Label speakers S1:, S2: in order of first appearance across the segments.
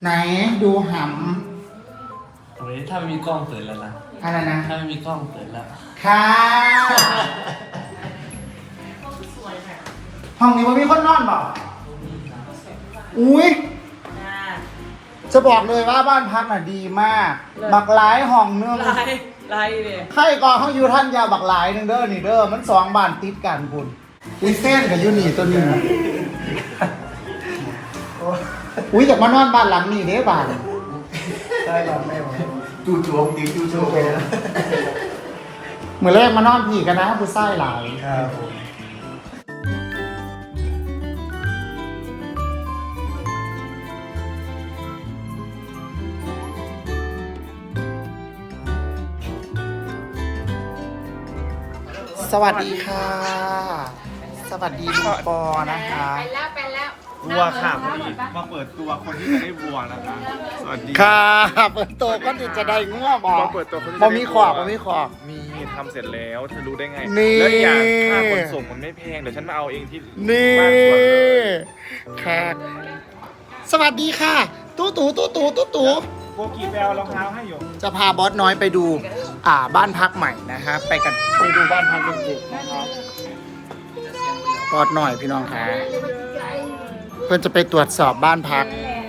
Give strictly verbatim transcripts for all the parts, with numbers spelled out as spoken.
S1: ไหนดูห
S2: โอ้ยถ้าไม่มีกล้องเปิดแล้วนะ
S1: ำอะไรนะ
S2: ถ้าไม่มีกล้องเปิดแล้ว
S1: ค่ะห้องนี้มันมีคนนอนบ่อุ้ยจะบอกเลยว่าบ้านพักน่ะดีมากบักหลายห้องนึง
S3: ลายลายเลย
S1: ใครก่อนเขาอยู่ท่านยาบักหลายนึงเด้อนี่เด้อมันสองบ้านติดกันคุณอุ้ยเส้นกับยูนี่ตัวนี้อุ้ยอยากมานอนบ้านหลังนี้เด้บ้าน
S4: ใช่ครับแม่ผมจู่โจมตีจู่โจมไปนะ
S1: เมื่อแรกมานอนพี่กันนะผู้ชายหลาย
S4: ครับผม
S1: สวัสดีค่ะ สวัสดีลุงปอนะคะ
S3: ไปแล้วไปแล้ว
S5: วัวค่ะพอดีมาเปิดตัวคนที่จะได้วัวนะคะสวัสดี
S1: ค่ะเปิดตัวก็จะได้ง่วงบอก
S5: มาเปิดตัวคนที่
S1: บ่
S5: จะได้
S1: มีขอบบ่มีขอบ
S5: มีทำเสร็จแล้วเธอรู้ได้ไง
S1: นี่
S5: แล้วอย่างค่าขนส่งมันไม่แพงเดี๋ยวฉันมาเอาเองที่
S1: นี่
S5: บ้านสวนเลย
S1: ค่ะสวัสดีค่ะ ตู้ตู่ตู้ตู่ตู้ตู่
S5: โบกีแปลรองเท้าให้อยู่
S1: จะพาบอสน้อยไปดู อ่าบ้านพักใหม่นะฮะไปกันไปดูบ้านพักเด็กๆนะครับบอสหน่อยพี่น้องค่ะเพื่อนจะไปตรวจสอบบ้านพัก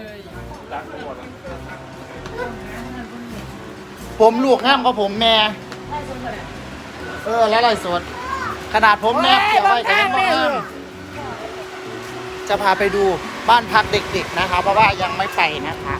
S1: ผมลูกห้ามกับผมแม่เออแล้วไรสดขนาดผมแม่เกี่ยวไว้กับยังบ้านจะพาไปดูบ้านพักเด็กๆนะคะเพราะว่ายังไม่ไปนะคะ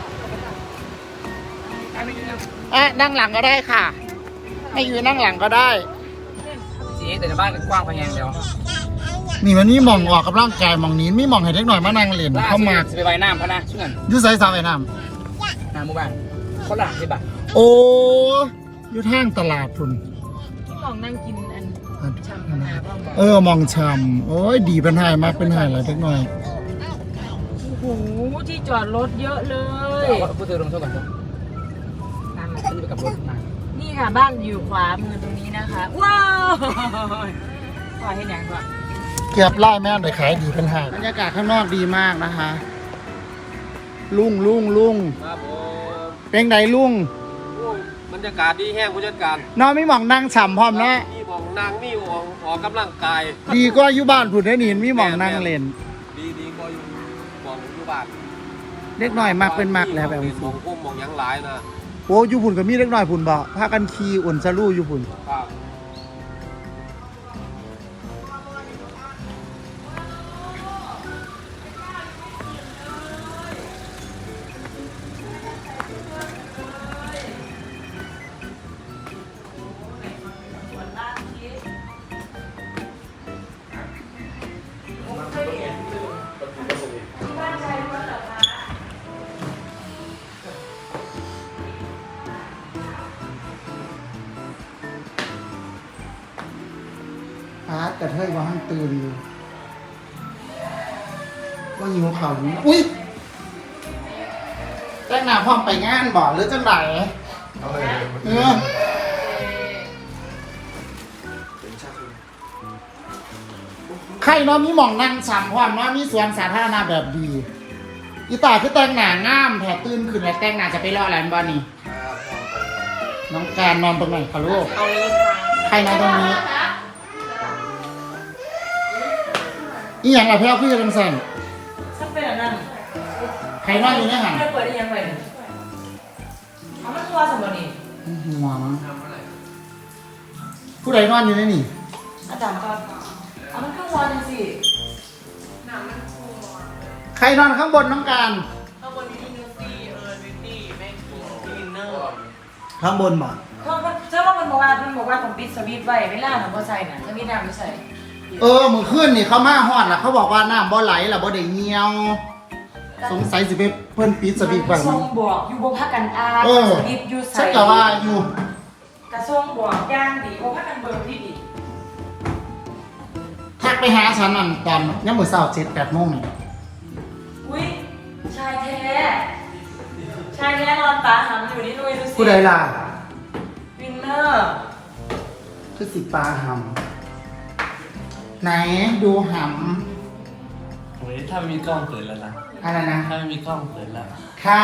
S1: อ่ะนั่งหลังก็ได้ค่ะไม่อยู่นั่งหลังก็ได้
S3: สีแต่ในบ้านกว้างพยังเดียว
S1: นี่มันนี่มองออกกับร่างกายมองนี้มีมองให้เด็กหน่อยมานั่งเล่นเข้ามา
S3: ไปไว้น้ำพะนะชื่อกัน
S1: ยูไซส์สาวไอ้น้
S3: น้ำหมู่บ้านคนละสิบบาท
S1: ำโอ้อยู่ทางตลาดพุ่น
S3: ที่มองนั่งกินอันชำนาบ้างบอก
S1: เออมองชำโอ้ยดีเป็นไฮมากเป็นไฮอะไรเล็กหน่อย
S3: โอ้โหที่จอดรถเยอะเลยพูดถึงลงโทษก่อนน้ำมันขึ้นไปกับรถมานี่ค่ะบ้านอยู่ขวามือตรงนี้นะคะว้าวขวาให้แดงก่อน
S1: เกือบไล่แม่เลยขายดีเป็นไฮบรรยากาศข้างนอกดีมากนะคะลุงลุงลุง
S2: ครับผม
S1: เป็นไงลุง
S2: บรรยากาศดีแห้งผู้จัดการ
S1: น้องไม่มองนั่งฉ่ำพร้อมนะ
S2: มีหมองนางมีหมองออกกำลังกาย
S1: ดีก็อยู่บ้านผุดได้หนินมีมองนั่งเล่น
S2: ดีดีก็อยู่หมองอยู่บ้าน
S1: เล็กหน่อยมากเป็นมากแล้วแบบ
S2: หม
S1: นี้
S2: องพุ่มหมองยังหลายนะ
S1: โอ้อยู่ผุนก็มีเล็กหน่อยผุนบ่พากันขี่อุ่นซะลู่อยู่ผุน
S2: ครับ
S1: พาร์ตกระเทยว่าหันตื่นอยู่ว่าหิวข่าวอยู่อุ้ยแจ้งหน้าพร้อมไปงานบ่หรือจังไหน
S4: เอาเลย
S1: เออใครเนาะมีหม่องนั่งฉ่ำพร้อมเนาะมีสวนสาธารณะแบบดีอีตาคือแต่งหน้างามแถตื่นขึ้นแล้วแต่งหน้าจะไปรออะไรบ้านี่น้องการนอนตรงไหนคะลูก
S3: เอาเลย
S1: ใครนอนตรงนี้อีหยังล่ะพี่เอาพี่จะเป็นสั่น
S3: สักเป็นอันนั้น
S1: ใครนอนอยู่ในหัน
S3: ไม่เปิดได้ยังไงเอามันตัวสมบูรณ์นี่
S1: หัวมั้งผู้ใดนอนอยู่ในนี่
S3: อาจารย์ก็เอามันขึ้นวอลสิ
S1: ใครนอนข้างบนน้องการ
S3: ข้างบนมีนิวตี้เออนิวตี้แม่กินกินเนอร์
S1: ข้างบนบ่
S3: เขาเชื่อว่ามันบอกว่ามันบอกว่าผมปิดสวิตช์ไว้ไม่ล่าหนูบ่ใส่น่ะสวิตช์น้ำไม่ใส่
S1: เออมือขึ้นนี่เขามาฮอดล่ะเขาบอกว่าน้ำบ่ไหลล่ะบ่ได้เหี่ยว สงสัยสิไปเพิ่นปิดสวิตช์ไว้
S3: ทร
S1: มั้
S3: ง
S1: ง
S3: บอกอยู่บ่พักกันอา
S1: เออ
S3: สวิตช์อยู่ใส่
S1: ฉันก็ว่าอยู่
S3: กระทรวงบอกย่างดีบ่พักกันเบอร์ที่ดี
S1: ทักไปหาฉันนั่นตอนยามมื้อเช้าเจ็ดแปดโมงนี่
S3: อุ้ยชายแท้ชายแท้นอนตาหำอยู่นี่ด้วยดูสิ
S1: ผู้ใดล่ะ
S3: วินเนอร์
S1: คือสิปลาหำไหนดูหำ
S2: โอ้ยยถ้าไม่มีกล้องเปิดแล้วนะ
S1: อะไรนะ
S2: ถ้าไม่มีกล้องเปิดแล้ว
S1: ค่ะ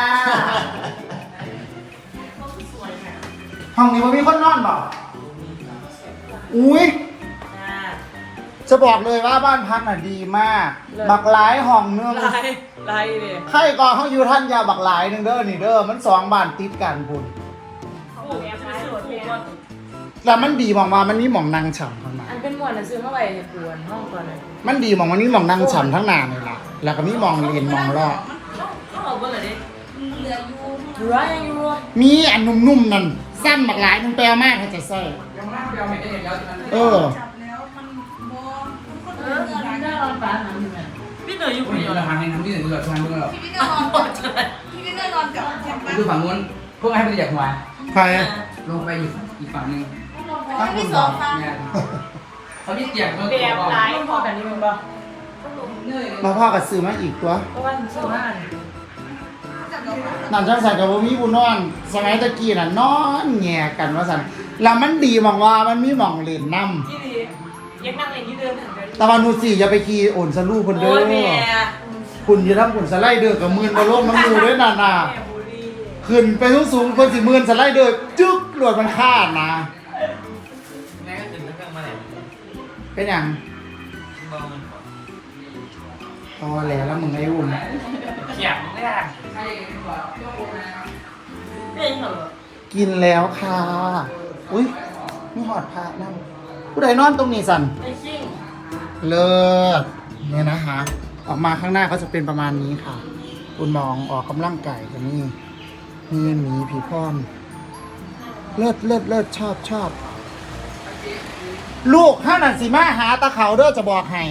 S1: ห้องนี้มันมีคนนอนบ่อุ้ยจะบอกเลยว่าบ้านพักน่ะดีมากบักหลายห้องเนื้อ
S3: ลายลายเลย
S1: ใครก่อนเขาอยู่ท่านยาบักหลายหนึ่งเด้อนี่เด้อมันสองบ้านติดกันพุ่น
S3: เขาบอกแอบท้ายรถเนี่ย
S1: แล้วมันดีมองมามันมีหมองนางฉ่ำข้างใน
S3: อันเป็นหมวดหนังสือเมื่อไหร่ให้ปวนห้องก่อนเลย
S1: มันดีมองมันมีหมองนางฉ่ำทั้งหน้าเลยล่ะแล้วก็มีหมองเลนหมองรอบ
S3: เขาบอกว่าอะไรดิเหลืออยู่เหลือยังอยู่
S1: มีอันนุ่มๆนั่นสั้นบักหลายนึงแปลมากเขาจะใส่เออ
S3: เออได้รอนฟ้าหนังอยู่ไหมพี่เหนื่อยอยู่คนเดียว
S6: เราทางให้น้ำที่หนึ่งเราทางเมื่อเรา
S7: พี่ก็นอนพี่ก็นอนกับแคมป์
S6: ดูฝั่งนู้นพวกให้ไปจากหัว
S1: ใคร
S6: ลงไปอีกอีกฝั่งหนึ่ง
S7: บ้านมีสองฟัง
S6: เนี่ยเขาที่เกียกเขา
S3: แบบลายพอกันนี่มึงป่ะ
S1: มาพ่อกับซื้อมาอีกตัว
S3: เพราะว่าเชื่อว่า
S1: นั่นจังสันกับว่ามีบุญนอน สมัยตะกี้น่ะนอนแง่กันว่าสันแล้วมันดีมองว่ามันมีหมองเล่นน้
S3: ที่ดียังนั่งเล่นที่เดิมถึงกัน
S1: ำแต่วันนู้นสิอย่าไปขี่โอนสลูคนเด้
S3: โอ้
S1: อย
S3: แม่
S1: คุณอย่าทำคุณสไลเดอร์กับมือนบอลโลกน้ำมูด้วยน่ะน่ะ
S3: แม่บุรี
S1: ขึ้นไปสูงๆคนสิมือนสไลเดอร์จึ๊กหลวดมันคาดนะ
S2: แม่ก็ตื่นตั้งแต่เมื่อไหร่
S1: เป็นอย่าง
S2: มองมัน
S1: พอแล้วแล้วมึงไอ้อุ่น
S2: เขียบไม่ได้
S3: เป็นเหรอ
S1: กินแล้วค่ะอุ้ยมีหอดพระนั่งผู้ใดนอนตรงนี้สัน
S3: ไอ้ชิ่ง
S1: เลิศเนี่ยนะคะ ออกมาข้างหน้าก็จะเป็นประมาณนี้ค่ะ คุณมองออกกำลังกายกันนี่มีหมีผีพร้อมเลิศเลิศเลิศชอบชอบ ลูกห้านันสีมาหาตะเขาเด้อจะบอกให้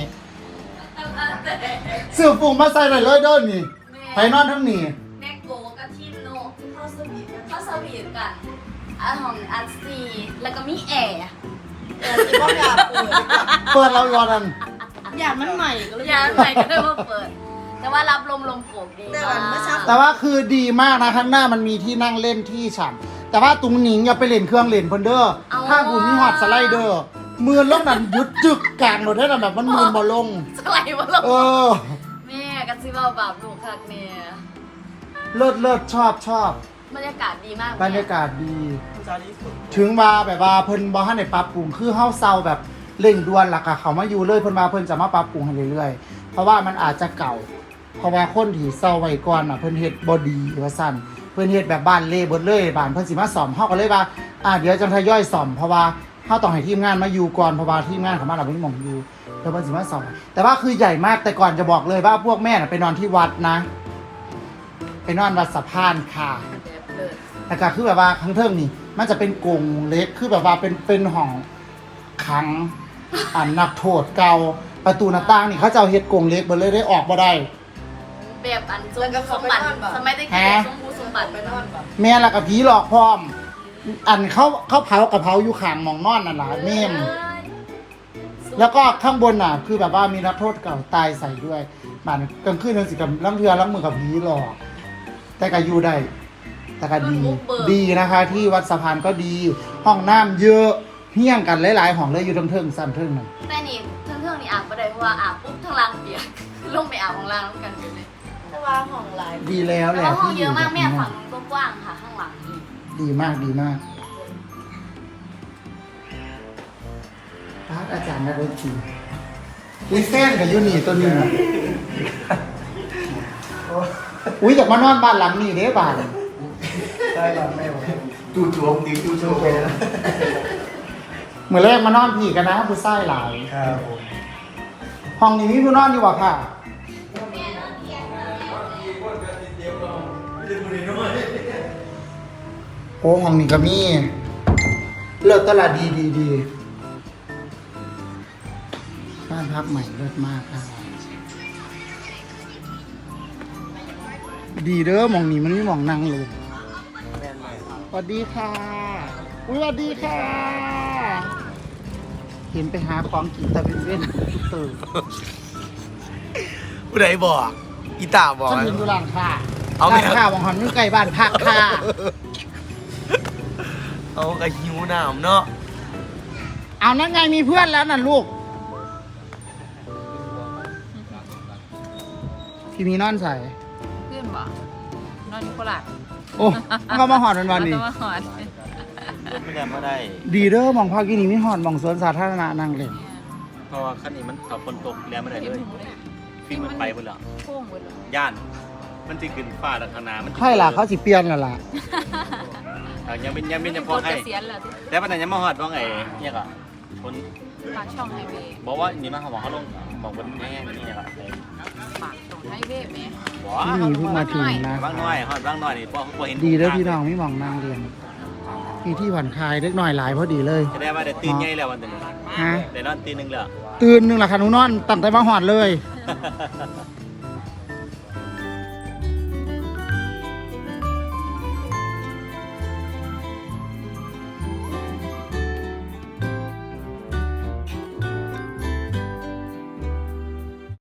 S1: เสื้อฟูงมาใส่เลยเลยเด้อนี่ไปนอนทั้งนี้
S7: แม่โกกับทีมโนเข้าสวีทกันเข้าสวีทกันอันของอันซีแล้วก็มีแอร์เออที่พ่ออยากเปิด
S1: เปิดเรายอนัน
S7: อยากมันใหม่ก็เลยอยากใหม่ก็เลยมาเปิด แต่ว่ารับลมลมโกกดีมาก
S1: แต่ว่าคือดีมากนะข้างหน้ามันมีที่นั่งเล่นที่ฉ่ำแต่ว่าตรงนี้อย่าไปเล่นเครื่องเล่นเพิ่นเด้อถ้าคุณมีหอดสไลเดอร์มือลงนั่นยุดจึกกลางรถได้แบบมันมือบ่ลง
S7: สไลด์มาลง
S1: เออ
S7: แม่กันซิว่าบาปลูกคักเนี่ย
S1: เลิศเลิศชอบชอบบ
S7: รรยากาศดีมาก
S1: บรรยากาศดี ถึงว่าแบบว่าเพิ่นบ่ทันได้ปรับปรุงคือเฮาเซาแบบเร่งด่วนล่ะค่ะเขามาอยู่เลยเพิ่นมาเพิ่นจะมาปรับปรุงให้เรื่อยๆเพราะว่ามันอาจจะเก่า เพราะว่าคนที่เซาไว้ก่อนน่ะเพิ่นเฮ็ดบ่ดีว่าซั่นเพิ่นเฮ็ดแบบบ้านเละเบิดเลยบ้านเพิ่นสิมาซ่อมเฮาก็เลยว่าอ่าเดี๋ยวจังทยอยซ่อมเพราะว่าเฮาต้องให้ทีมงานมาอยู่ก่อนเพราะว่าทีมงานของมันน่ะบ่มีหม่องอยู่เดี๋ยวเพิ่นสิมาซ่อมแต่ว่าคือใหญ่มากแต่ก่อนจะบอกเลยว่าพวกแม่น่ะไปนอนที่วัดนะไปนอนวัดสะพานค่ะ
S7: แบบเลิศ
S1: แต่ก็คือแบบว่าข้างเทิงนี่มันจะเป็นกรงเล็กคือแบบว่าเป็นเป็นห้องขังอันนักโทษเก่าประตูหน้าต่างนี่เขาจะเอาเฮ็ดกรงเล็กเบิดเลยได้ออกบ่ได้
S7: แบบอันสมสมบัติสมัยตะกี้สมบูรณ์สมบัติไปนอนแบบ
S1: แม่ละกับผีหลอกพร้อม อันเขาเขาเผากระเพราอยู่ข้างหมองนอนนั่นล่ะเมมแล้วก็ข้างบนน่ะ คือแบบว่ามีนักโทษเก่าตายใส่ด้วยบ้านกลางคืนนั่นสิกับลังเทือลังมือกับผีหลอกแต่ก็อยู่ได้แต่ก็ดีดีนะคะ ที่วัดสะพานก็ดี ห้องน้ำเยอะเฮี้ยงกันหลายๆห้องเลยอยู่เทิงๆสั้นเทิงนั่น
S7: แต่นี่เทิงๆนี่อาบไม่ได้เพราะว่าอาบปุ๊บทั้งล่างเปียก ลงไปอาบของล่างแล้วกันเลยแต่ว่าห้องหลาย
S1: ดีแล้วแห
S7: แต่
S1: ละ
S7: ว่าห้อง
S1: ที่
S7: เยอะมากแม่
S1: ที่
S7: ฝั่งนู้นก็กว้างค่ะข้างหลังอีก
S1: ดีมากดีมากพระอาจารย์นรชีอุ้ยแฟนกับยูนี่ตัวนี้นะอุ้ยอยากมานอนบ้านหลังนี้เด้บ้าน
S4: ใช่ครับแม่ผมจู่โจมดิจู่โจมไปนะ
S1: เมื่อแรกมานอนพี่กันนะผู้ชายหลาย
S4: ครับผม
S1: ห้องนี้มีผู้นอนอยู่บ่ค่ะโอ้ห้องนี้ก็มีเลิศตลาดดีดีดีบ้านพักใหม่เลิศมากครับดีเด้อหมองนี้มันไม่มองนั่งเลยสวัสดีค่ะอุ้ยสวัสดีค่ะ เห็นไปหาของกินตะเป็นเว้นตื่น
S4: ผู้ใดบอกอีตาบอก
S1: ฉันเห็นอยู่ร้านค้า
S4: เอาไหม
S1: ร้านค้าวังหันอยู่ใกล้บ้านพักค่ะ
S4: เอากระหิวน้ำเนาะ
S1: เอานั่นไงมีเพื่อนแล้วน่ะลูกพี่มีนอนใส่
S3: เพื่อนบอกนอนอยู่โคราช
S1: โอ้มันก็มาหอดวันวันนี้
S3: เอาตัวมาหอด
S4: ไม่ได้ไม่ได้
S1: ดีเด้อหมองพักกินนี่มีหอดหมองสวนสาธารณะนั่งเล่น
S4: เพราะว่าคันนี้มันขับฝนตกแล้วไม่ได้
S3: เห็น
S4: เลย
S3: หนูเลย
S4: ฟิล์มมันไปหมดแล้ว
S3: โค้งหมดเลย
S4: ย่าน มันจะขึ้นฟ้าดังขนามัน
S1: ใช่ล่ะเขาสิเปลี่ยนแล้วล่ะ
S4: อ่ะยังเป็นยังเป็นยังพอให้
S3: เกษียณแล้วที่
S4: แต่ปัญหายังมาหอดว่าไงเนี่ยก็คน
S3: ปากช่องไฮเวย์
S4: บอกว่านี่มาเขาบอกเขาลงบอกคนแห้งนี่เนี่ยก็
S3: ปากช่องไฮเวย์ไหม
S4: บอก
S1: ที่นี่เพิ่งมาถึงนะ
S4: บางน้อยหอดบางน้อยนี่พอพอเห็น
S1: ดีเด้อพี่น้องมีหมองนั่งเรียนมีที่ผ่อนคลายเล็กน้อยหลายพอดีเลย
S4: จะได้ว่าได้ตื่นใหญ่แล้ววันหนึ่ง
S1: ฮะ
S4: ได้นอนตีหนึ่งแล้ว
S1: ตื่นหนึ่งละค่ะหนูนอนตั้งแต่มาหอดเลย